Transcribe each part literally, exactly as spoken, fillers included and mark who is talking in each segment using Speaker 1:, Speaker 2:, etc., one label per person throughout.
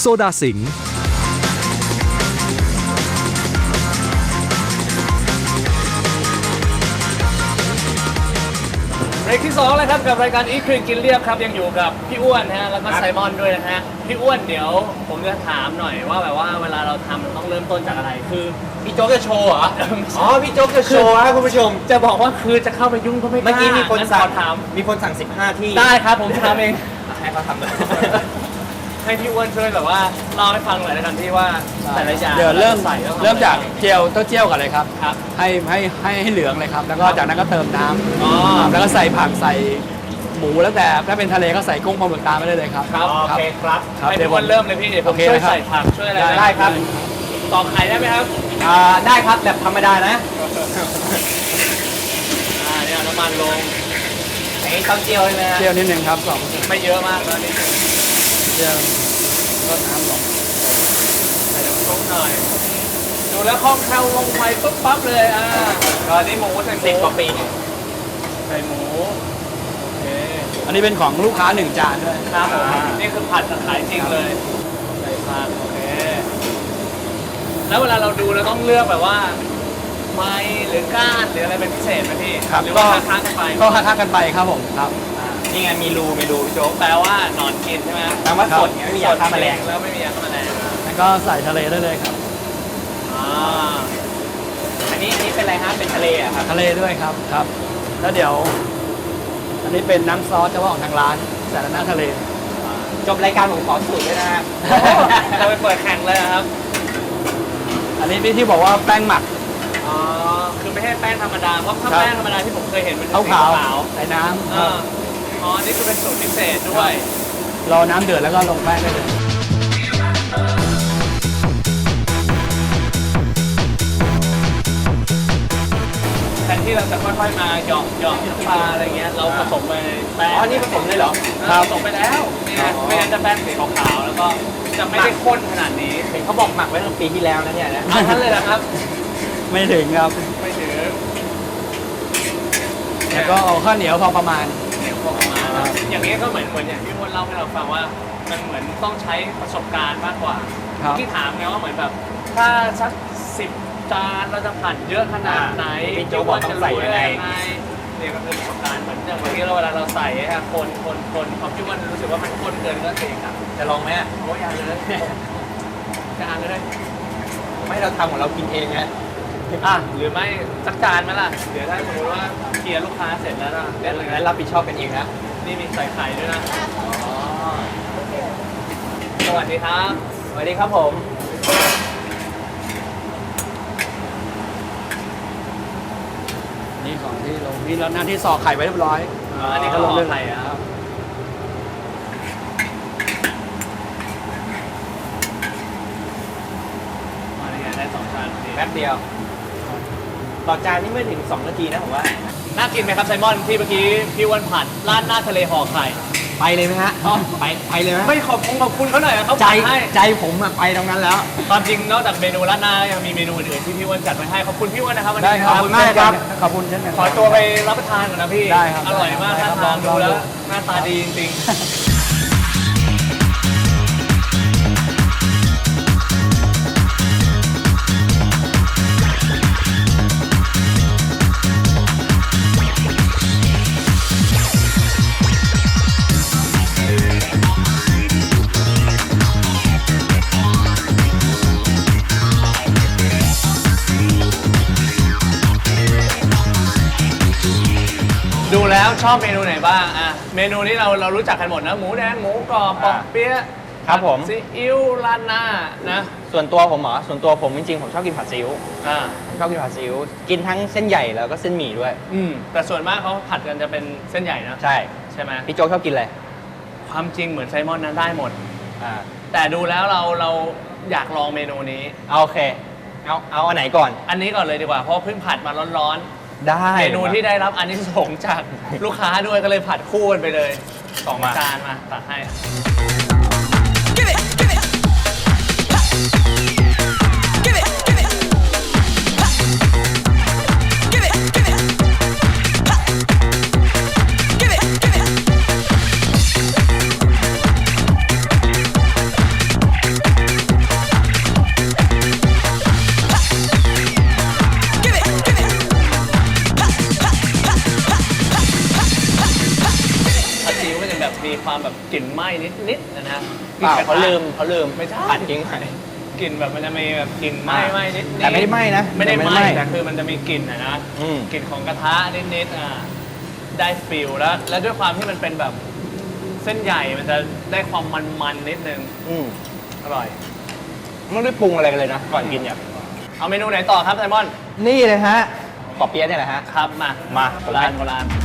Speaker 1: โซดาสิงห์
Speaker 2: เบรกที่สองแล้วครับกับรายการอีครีนกินเรียบครับยังอยู่กับพี่อ้วนนะฮะแล้วก็ไซมอนด้วยนะฮะพี่อ้วนเดี๋ยวผมจะถามหน่อยว่าแบบว่าเวลาเราทำมันต้องเริ่มต้นจากอะไรคือ
Speaker 3: พี่โจ๊กจะโชว์เหรออ๋อพี่โจ๊กจะโชว์ครับคุณผู้ชม
Speaker 2: จะบอกว่าคือจะเข้าไปยุ่งก็ไม่กล้า
Speaker 3: เมื่อกี้มีคนสั่ง
Speaker 2: ถาม
Speaker 3: มีคนสั่งสิบห้าที่
Speaker 2: ได้ครับผมทำเอง
Speaker 3: ให้เขาทำเลย
Speaker 2: ให้พี่อ้วนช่วยแบบว่าเล่าให้ฟังหน่อยแล้วกันที่ว่าแต่ละอย่าง
Speaker 4: เดี๋ยวเริ่ม
Speaker 2: ใส่แล้ว
Speaker 4: เริ่มจากเจียวเต้าเจี้ยวก่อนเลยครับ
Speaker 2: ครับ
Speaker 4: ให้ให้ให้ให้เหลืองเลยครับ แล้วก็จากนั้นก็เติมน้
Speaker 2: อ๋อ
Speaker 4: ำแล้วก็ใส่ผักใส่หมูแล้วแต่ถ้าเป็นทะเลก็ใส่กุ้งปลาหมึกตามไปได้เลยครับ
Speaker 2: ครับ
Speaker 3: โอเคครับ
Speaker 4: ครับ
Speaker 2: ให้
Speaker 4: เดี๋ย
Speaker 2: พี่
Speaker 4: ว
Speaker 2: อ้วนเริ่มเลยพี่เดี๋ยวผม
Speaker 4: โอเค
Speaker 2: ช่วย
Speaker 4: นะครับ
Speaker 2: ใส่ผักช่วยอะไร
Speaker 3: ได้ครับ
Speaker 2: ตอกไข่ได้ไหมครับ
Speaker 3: อ่าได้ครับแบบธรรมดานะ
Speaker 2: อ่าเนี่ยน้ำมันลง
Speaker 3: อันนี้ต้องเจียวใช่ไหมฮะ
Speaker 4: เจียวนิดนึงครับสอง
Speaker 2: ไม่เยอะมากแล้วนิดนึง
Speaker 4: เจียวรดน้ำลง
Speaker 2: ใส่น้ำซุปหน่อยดูแล้วคล่องแคล่วลงไปปุ๊บปั๊บเลยอ่าตอนนี้หมูใส่หมู
Speaker 3: สิบกว่าปี
Speaker 2: ใส่หมูโอเค
Speaker 4: อันนี้เป็นของลูกค้าหนึ่งจานด้วย
Speaker 2: ครับผมนี่คือผัดกับขายจริงเลยใส่ผักโอเคแล้วเวลาเราดูเราต้องเลือกแบบว่าไม้หรือก้านหรืออะไรเป็นพิเศษไหมพี่
Speaker 4: ครับ
Speaker 2: หรือว่าค้างๆกันไป
Speaker 4: ก็ค้าๆกันไปครับผมครับ
Speaker 3: นี่ไงมีรูมีรูพี่โจ๊ก
Speaker 2: แปลว่าหนอนกินใช่ไหม
Speaker 3: แปลว่าสดไงไม่มียาฆ่าแมลง
Speaker 2: แล้วไม่มียาฆ่าแมลง
Speaker 4: แล้วก็ใส่ทะเลได้เลยครับ
Speaker 2: อ่า
Speaker 3: อันนี้อันนี้เป็นอะไรฮะเป็นทะเลอะครับ
Speaker 4: ทะเลด้วยครับครับ แล้วเดี๋ยว อันนี้เป็นน้ำซอสเฉพาะของทางร้านใส่แล้วหน้าทะเล
Speaker 3: จบรายการผมขอสูตรด้วยนะฮะ
Speaker 2: จะไปเปิดแข่งเลยครับ
Speaker 4: อันนี้ที่บอกว่าแป้งหมัก
Speaker 2: อ๋อคือไม่ใช่แป้งธรรมดาเพราะถ้า
Speaker 4: ครับ
Speaker 2: แป้งธรรมดาที่ผมเคยเห็นมัน
Speaker 4: ขาว
Speaker 2: สี
Speaker 4: ขาว
Speaker 2: ขาว
Speaker 4: ใส่น้ำ
Speaker 2: เอ
Speaker 4: ครับ
Speaker 2: ออ๋ออันนี่คือเป็นสูตรพิเศษด้วย
Speaker 4: รอน้ำเดือดแล้วก็ลงแป้งได้เลย
Speaker 2: แทนที่เราจะค่อยๆมาหยอกหยอกน้ำปลาอะไรเงี้ยเราผสมไปในแป้ง
Speaker 3: อ๋อนี่ผสมเลยเหรอ
Speaker 2: ครับผสมไปแล้วนี่ไงไม่งั้นจะแป้งสีขาวๆแล้วก็จะไม่ได้ข้นขนาดนี้
Speaker 3: เห็นเขาบอกหมักไว้ตั้งปีที่แล้วนะเนี่ยนะ
Speaker 2: เอาท่านเลยนะครับ
Speaker 4: ไม่ถึงครับ
Speaker 2: ไม่ถือ
Speaker 4: แล้วก็เอาข้าวเหนียวพอประมาณ
Speaker 2: เดี๋ยวพอประมาณนะอย่างนี้ก็เหมือนเหมือนอย่างที่มดเล่าให้เราฟังว่ามันเหมือนต้องใช้ประสบการณ์มากกว่า
Speaker 4: ครับ
Speaker 2: ที่ถามไงว่าเหมือนแบบถ้าสักสิบจานเราจะผัดเยอะขนาดไหน
Speaker 3: พี่โจ๊กบอกต้องใส่ยังไง
Speaker 2: เนี่ยก็คือประสบการณ์เหมือนอย่างเมื่อกี้เราเวลาเราใส่ฮะคนคนคนความที่ว่ารู้สึกว่ามันข้นเกินก็เองครับ
Speaker 3: จะลองไหมอะ
Speaker 2: โอ้ยอยาเลยจานเลย
Speaker 3: ไม่เราทำของเรากินเองนะ
Speaker 2: อ่ะหรือไม่สักจานไหมล่ะเดี๋ยวถ้าสมมติว่าเคลียร์ลูกค้าเสร็จแล้วนะเดี๋ยวเลย
Speaker 3: งั้นรับผิดชอบกันเองนะ
Speaker 2: นี่มีใส่ไข่ด้วยนะสวัสดีครับ
Speaker 3: สวัสดีครับผม
Speaker 4: นี่ของที่ลงนี่แล้วหน้าที่ซอกไข่ไว้เรียบร้อย
Speaker 2: อันนี้ก็ลงไข่อะครับมาได้ไงได้สองจานพอดี
Speaker 3: แป๊บเดียว ต่อจานนี่ไม่ถึงสองนาทีนะผมว่า
Speaker 2: น่ากินไหมครับไซมอนที่เมื่อกี้พี่อ้วันผัดร้านหน้าทะเลห่อไข่
Speaker 3: ไปเลยไหมฮะ
Speaker 2: อ๋อ
Speaker 3: ไปไปเลยไหม
Speaker 2: ไม่ขอบคุณขอบคุณเขาหน่อยอะเขา
Speaker 3: ใจ
Speaker 2: ผัดให้
Speaker 3: ใจผมอะไปตรงนั้นแล้ว
Speaker 2: ความจริงนอกจากเมนูร้านหน้ายังมีเมนูอื่นๆที่พี่อ้วันจัดไว้ให้ขอบคุณพี่อ้วันนะครับวัน
Speaker 4: ได้
Speaker 2: นี้
Speaker 4: ครับ
Speaker 3: ขอบคุณมากครับ
Speaker 4: ขอบคุณเช่นกัน
Speaker 2: ขอตัวไปรับประทานก่อนนะพี่
Speaker 4: ได้ครับ
Speaker 2: อร่อยมาก
Speaker 4: ได้
Speaker 2: ท่า
Speaker 4: ครับ
Speaker 2: ทาง
Speaker 4: ล
Speaker 2: ดู
Speaker 4: อง
Speaker 2: แล้ว
Speaker 4: ดู
Speaker 2: หน้าตาดีจริงๆ ดูแล้วชอบเมนูไหนบ้างอ่ะเมนูนี้เราเรารู้จักกันหมดนะหมูแดงหมูกรอบปอกเปี๊ยะ
Speaker 3: ครับผม
Speaker 2: ซีอิ๊วราดหน้านะ
Speaker 3: ส่วนตัวผมเหรอ ส่วนตัวผมจริงๆ ผมชอบกินผัดซีอิ๊ว
Speaker 2: อ่า
Speaker 3: ชอบกินผัดซีอิ๊ว กินทั้งเส้นใหญ่แล้วก็เส้นหมี่ด้วย
Speaker 2: อืมแต่ส่วนมากเขาผัดกันจะเป็นเส้นใหญ่นะ
Speaker 3: ใช่
Speaker 2: ใช่ไหม
Speaker 3: พี่โจ๊กชอบกินอะไร
Speaker 2: ความจริงเหมือนไซมอนนั้นได้หมด
Speaker 3: อ่า
Speaker 2: แต่ดูแล้วเราเราอยากลองเมนูนี้
Speaker 3: เอาโอเค เอาเอาอันไหนก่อน
Speaker 2: อันนี้ก่อนเลยดีกว่าเพราะเพิ่งผัดมาร้อน
Speaker 3: ได้
Speaker 2: ๆเมนูที่ได้รับอันนี้ส่งส์จากลูกค้าด้วยก็เลยผัดคู่กันไปเลยสอง
Speaker 3: มา
Speaker 2: จานมาตักให้
Speaker 5: Give it, give it. Ha. Give it, give it. Ha. Give it, give it. Ha. Give it, give it.
Speaker 2: แบบกลิ่นไหม้นิดๆนะฮะ
Speaker 3: เปล่าเขาลืมเขาลืม
Speaker 2: ไม่ใช่
Speaker 3: ผัดทิ้งไว้
Speaker 2: กลิ่นแบบมันจะมีแบบกลิ่นไหม้ไหม้นิดๆ
Speaker 4: แต่ไม่ได้ไหม้นะ
Speaker 2: ไม่ได้
Speaker 4: แต่ไม่
Speaker 2: ไห
Speaker 4: ไหม้
Speaker 2: ม้แต่คือมันจะมีกลิ่นอะนะ
Speaker 3: อืม
Speaker 2: กลิ่นของกระทะนิดๆอ่าได้ฟิลแล้ว แล้วด้วยความที่มันเป็นแบบเส้นใหญ่มันจะได้ความมันๆนิดนึง
Speaker 3: อืม
Speaker 2: อร่อย
Speaker 3: ไม่ได้ปรุงอะไรกันเลยนะ ก่อนกินเนี่ย
Speaker 2: เอาเมนูไหนต่อครับไซมอน
Speaker 4: นี่เลยฮะ
Speaker 3: ปอเปี๊ยะเนี่ยแหละฮะ
Speaker 2: ครับมา
Speaker 3: มา
Speaker 2: โบราณโบราณ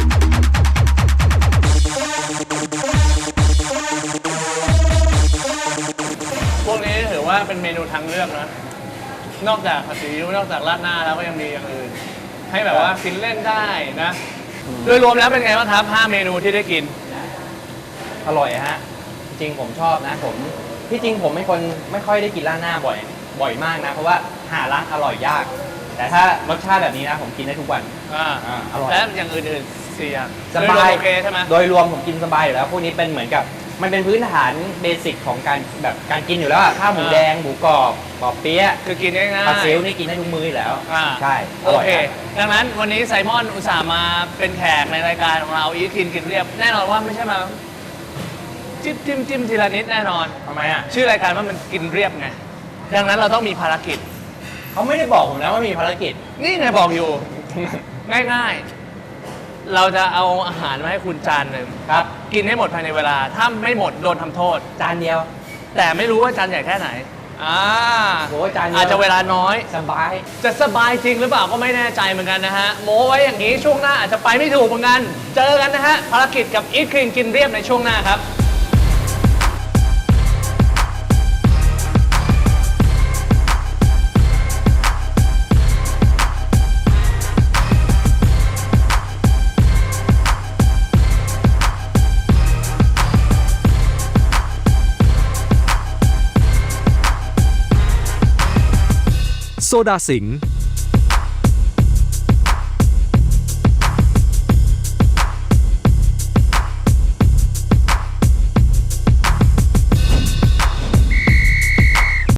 Speaker 2: พวกนี้ถือว่าเป็นเมนูทางเลือกนะ นอกจากผัดซีอิ๊วนอกจากราดหน้าแล้วก็ยังมีอย่างอื่น ให้แบบว่ากินเล่นได้นะ โดยรวมแล้วเป็นไงบ้างครับห้าเมนูที่ได้กิน
Speaker 3: อร่อยฮะ จริงผมชอบนะ ผมที่จริงผมเป็นคนไม่ค่อยได้กินร้านหน้าบ่อย บ่อยมากนะ เพราะว่าหาร้านอร่อยยาก แต่ถ้ารสชาติแบบนี้นะผมกินได้ทุกวัน
Speaker 2: อ่า
Speaker 3: อ่าอร่อย
Speaker 2: และอย่างอื่นๆสี่อย่าง
Speaker 3: สบาย
Speaker 2: โดรวมโอเคใช่ไหม
Speaker 3: โดยรวมผมกินสบายอยู่แล้ว พวกนี้เป็นเหมือนกับ มันเป็นพื้นฐานเบสิกของการแบบการกินอยู่แล้วอะข้าวหมูแดง หมูกรอบปอเปี๊ยะ
Speaker 2: คือกินง่ายๆ
Speaker 3: ปลาซิลนี่กินได้ทุกมื้ออยู่แล้ว
Speaker 2: อ่า
Speaker 3: ใช่ อ
Speaker 2: โอ
Speaker 3: ร่อย
Speaker 2: เค
Speaker 3: ฮะ
Speaker 2: ดังนั้นวันนี้ไซมอนอุตส่าห์มาเป็นแขกในรายการของเราอีทกินกินเรียบ แน่นอนว่าไม่ใช่มาจิ้มจิ้มจิ้มทีละนิดแน่นอน
Speaker 3: ทำไมอ่ะ
Speaker 2: ชื่อรายการว่ามันกินเรียบไง ดังนั้นเราต้องมีภารกิจ
Speaker 3: เขาไม่ได้บอกผมนะว่ามีภารกิจ
Speaker 2: นี่ไงบอกอยู่ ง่ายๆ เราจะเอาอาหารมาให้คุณจานหนึ่ง
Speaker 3: ครับ
Speaker 2: กินให้หมดภายในเวลา ถ้าไม่หมดโดนทำโทษ
Speaker 3: จานเดียว
Speaker 2: แต่ไม่รู้ว่าจานใหญ่แค่ไหนอ่า
Speaker 3: โอ้ยจานเดียว
Speaker 2: อาจจะเวลาน้อย
Speaker 3: สบาย
Speaker 2: จะสบายจริงหรือเปล่าก็ไม่แน่ใจเหมือนกันนะฮะ โม้ไว้อย่างนี้ช่วงหน้าอาจจะไปไม่ถูกเหมือนกัน เจอกันนะฮะ ภารกิจกับอีทคลีนกินเรียบในช่วงหน้าครับ
Speaker 1: โซดาสิงห์